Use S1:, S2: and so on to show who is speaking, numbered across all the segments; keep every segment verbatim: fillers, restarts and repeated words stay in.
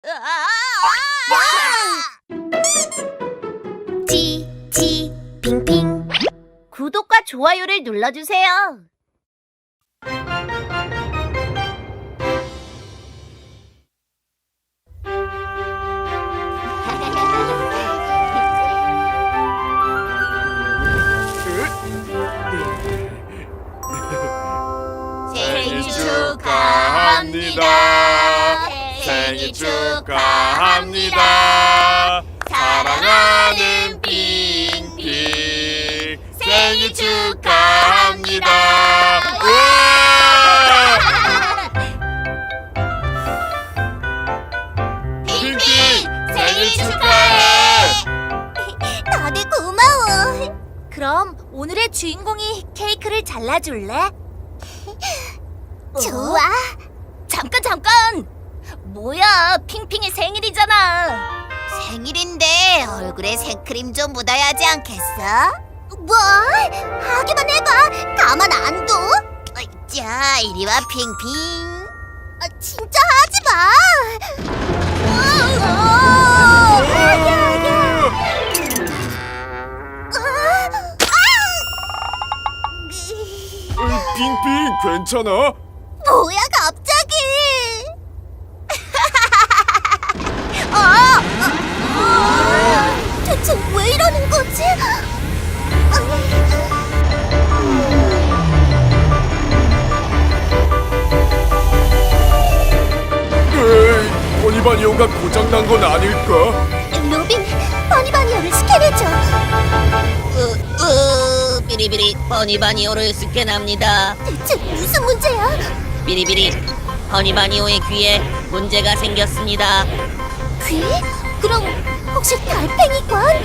S1: 지, 핑핑. 구독과 좋아요를 눌러주세요.
S2: 생일 축하합니다. 생일 축하합니다. 사랑하는 핑핑 생일 축하합니다. 핑핑 생일 축하해.
S1: 다들 고마워. 그럼 오늘의 주인공이 케이크를 잘라줄래? 좋아. 잠깐 잠깐. 뭐야, 핑핑이 생일이잖아. 생일인데 얼굴에 생크림 좀 묻어야지 않겠어? 뭐? 하기만 해봐. 가만 안 둬. 자, 이리 와 핑핑. 아, 진짜 하지 마.
S2: 핑핑 괜찮아?
S1: 뭐야 갑자기? 어? 어? 대체 왜 이러는 거지?
S2: 에이, 버니바니오가 고장난 건 아닐까?
S1: 로빈, 버니바니오를 스캔해줘.
S3: 으, 으, 비리비리 버니바니오를 스캔합니다.
S1: 대체 무슨 문제야?
S3: 비리비리 버니바니오의 귀에 문제가 생겼습니다.
S1: 귀? 그럼 혹시 달팽이관?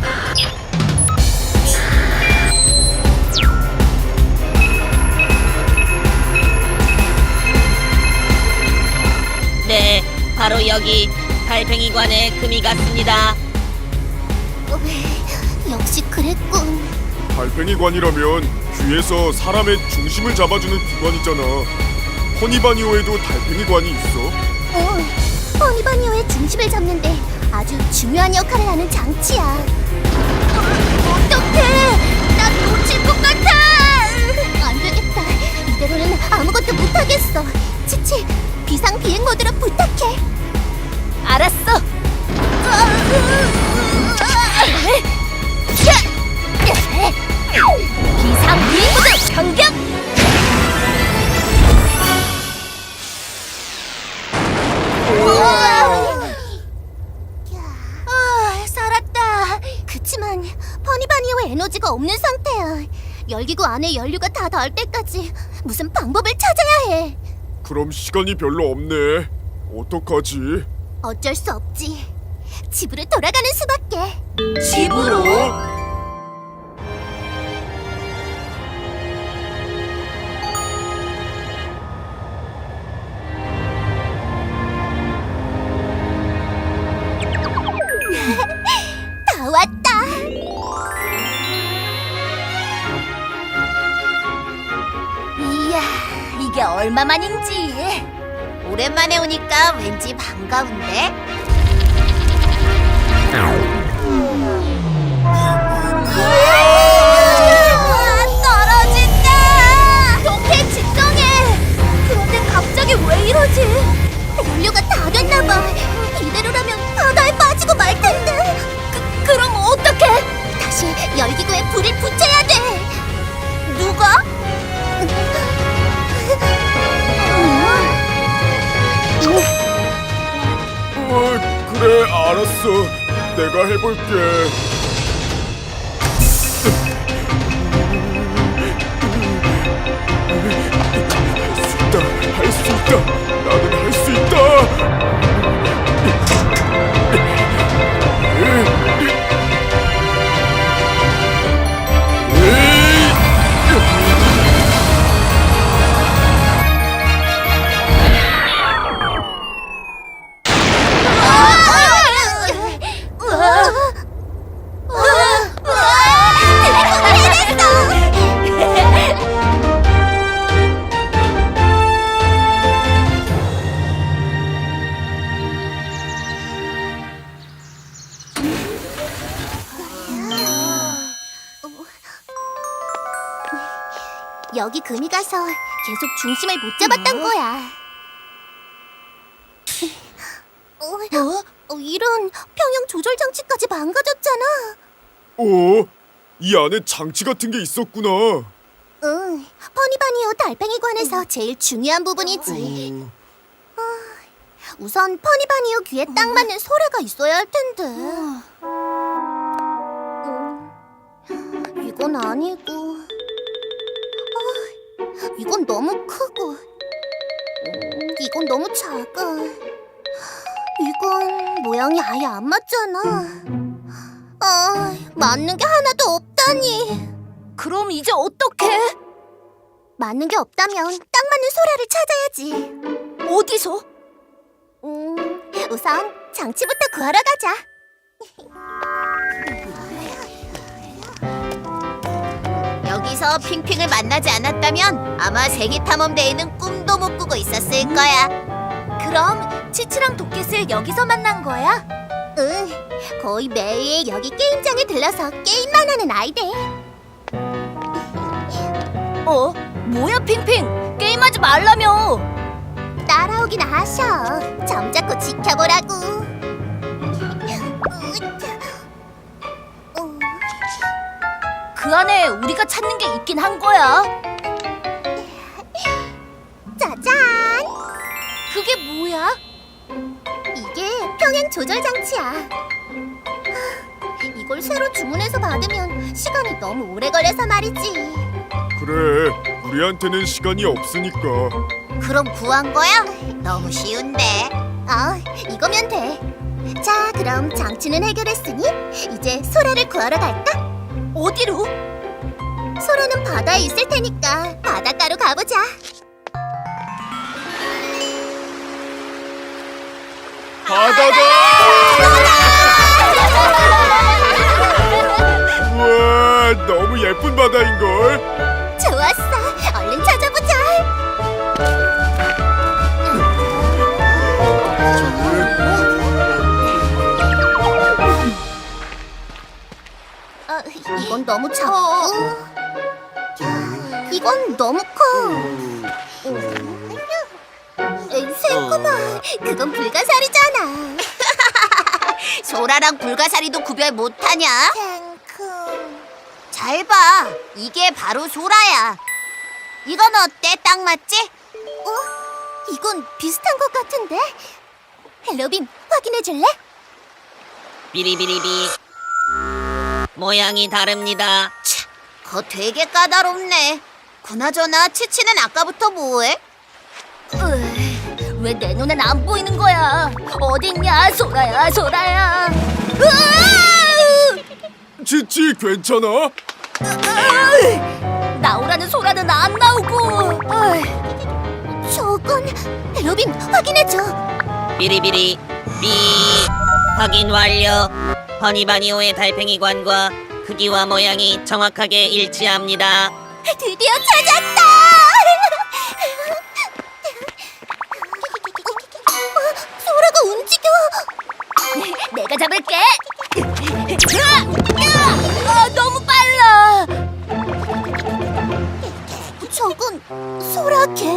S3: 네, 바로 여기 달팽이관에 금이 갔습니다.
S1: 어, 역시 그랬군.
S2: 달팽이관이라면 귀에서 사람의 중심을 잡아주는 기관이잖아. 허니바니오에도 달팽이관이 있어?
S1: 어, 버니바니오의 중심을 잡는데 아주 중요한 역할을 하는 장치야. 어, 어떡해! 나 놓칠 것 같아! 안 되겠다. 이대로는 아무것도 못하겠어. 치치, 비상비행 모드로 부탁해. 알았어. 비상비행 모드 변경! 아, 살았다. 그치만 버니바니오의 에너지가 없는 상태야. 열기구 안에 연료가 다 닿을 때까지 무슨 방법을 찾아야 해.
S2: 그럼 시간이 별로 없네. 어떡하지?
S1: 어쩔 수 없지. 집으로 돌아가는 수밖에.
S3: 집으로?
S1: 다 왔다. 이야, 이게 얼마만인지. 오랜만에 오니까 왠지 반가운데? 우와, 떨어진다! 로켓 진정해! 그런데 갑자기 왜 이러지? 연료가 다 됐나봐. 이대로라면 바다에 빠지고 말 텐데. 그, 그럼 어떡해? 다시 열기구에 불을 붙여야 돼. 누가?
S2: 어, 그래 알았어. 내가 해볼게. 할 수 있다. 할 수 있다. 나는 할 수 있다.
S1: 여기 금이 가서 계속 중심을 못 잡았던 거야. 어? 어, 이런 평형 조절 장치까지 망가졌잖아.
S2: 어? 이 안에 장치 같은 게 있었구나.
S1: 응, 퍼니바니오 달팽이관에서 제일 중요한 부분이지.
S2: 어,
S1: 우선 퍼니바니오 귀에 딱 맞는 소라가 있어야 할 텐데. 음, 이건 아니고, 아, 이건 너무 크고, 음, 이건 너무 작아. 이건 모양이 아예 안 맞잖아. 아, 맞는 게 하나도 없다니.
S4: 그럼 이제 어떡해?
S1: 맞는 게 없다면 딱 맞는 소라를 찾아야지.
S4: 어디서?
S1: 음, 우선 장치부터 구하러 가자.
S3: 여기서 핑핑을 만나지 않았다면 아마 세계 탐험대회는 꿈도 못 꾸고 있었을 거야.
S1: 그럼 치치랑 도켓을 여기서 만난 거야? 응, 거의 매일 여기 게임장에 들러서 게임만 하는 아이들.
S4: 어? 뭐야 핑핑? 게임하지 말라며.
S1: 따라오긴 하셔. 점잡고 지켜보라고. 어,
S4: 그 안에 우리가 찾는 게 있긴 한 거야.
S1: 짜잔!
S4: 그게 뭐야?
S1: 이게 평행 조절 장치야. 이걸 새로 주문해서 받으면 시간이 너무 오래 걸려서 말이지.
S2: 그래, 우리한테는 시간이 없으니까.
S1: 그럼 구한 거야? 너무 쉬운데. 어, 이거면 돼. 자, 그럼 장치는 해결했으니 이제 소라를 구하러 갈까?
S4: 어디로?
S1: 소라는 바다에 있을 테니까 바닷가로 가보자.
S2: 바다다! 우와, 너무 예쁜 바다인걸.
S1: 좋았어, 얼른 찾아보자. 어, 이건 너무 작고, 이건 너무 커. 에이, 새꼬마, 그건 불가사리잖아.
S3: 소라랑 불가사리도 구별 못하냐?
S1: 탱크.
S3: 잘 봐. 이게 바로 소라야. 이건 어때? 딱 맞지?
S1: 어? 이건 비슷한 것 같은데? 헬로빈, 확인해줄래?
S3: 비리비리비. 모양이 다릅니다. 차, 그거 되게 까다롭네. 그나저나 치치는 아까부터 뭐해?
S4: 왜 내 눈엔 안 보이는 거야? 어딨냐 소라야 소라야. 으아!
S2: 치치, 괜찮아?
S4: 나오라는 소라는 안 나오고. 어이,
S1: 저건 헬로빈, 확인해줘.
S3: 비리비리 비. 확인 완료. 허니바니오의 달팽이관과 크기와 모양이 정확하게 일치합니다.
S1: 드디어 찾았다! 어, 소라가 움직여!
S4: 내가 잡을게. 으아! 으아! 아, 너무 빨라.
S1: 저건 소라 개?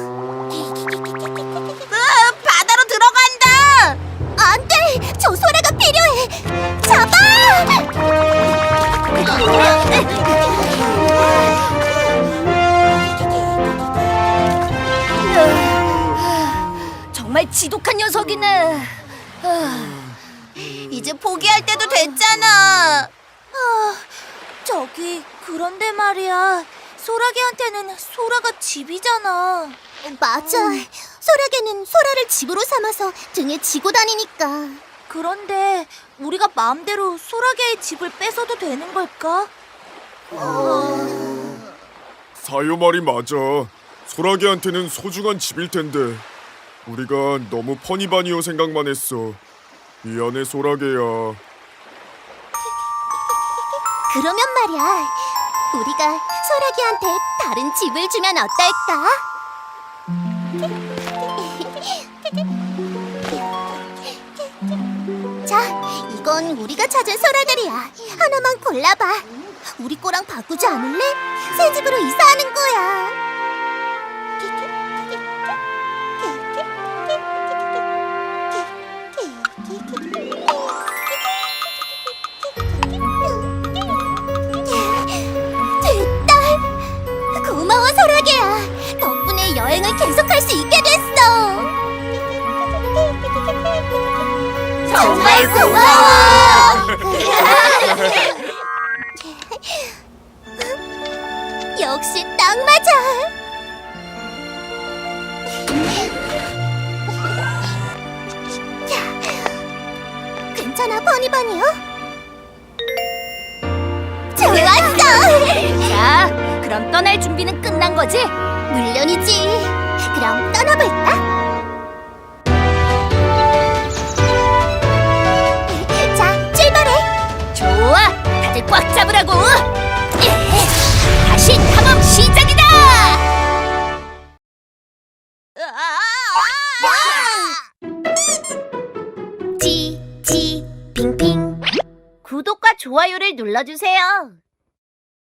S3: 으, 바다로 들어간다.
S1: 안 돼! 저 소라가 필요해! 잡아!
S4: 정말 지독한 녀석이네.
S3: 이제 포기할 때도 됐잖아.
S4: 아, 저기 그런데 말이야. 소라개한테는 소라가 집이잖아.
S1: 맞아. 소라개는 소라를 집으로 삼아서 등에 지고 다니니까.
S4: 그런데 우리가 마음대로 소라개의 집을 뺏어도 되는 걸까?
S2: 사요 말이 맞아. 소라게한테는 소중한 집일 텐데 우리가 너무 퍼니바니오 생각만 했어. 미안해, 소라게야.
S1: 그러면 말이야. 우리가 소라기한테 다른 집을 주면 어떨까? 자, 이건 우리가 찾은 소라들이야. 하나만 골라봐. 우리 거랑 바꾸지 않을래? 새 집으로 이사하는 거야. 됐다. 고마워, 소라게야. 덕분에 여행을 계속할 수 있게 됐어. 정말 고마워. 역시 딱 맞아. 괜찮아, 버니버니요? 좋았어.
S4: 자, 그럼 떠날 준비는 끝난 거지?
S1: 물론이지. 그럼 떠나볼까? 자, 출발해.
S4: 좋아, 다들 꽉 잡으라고. 예, 다시 탐험 시작이다.
S1: 지, 지, 빙빙.
S3: 구독과 좋아요를 눌러주세요.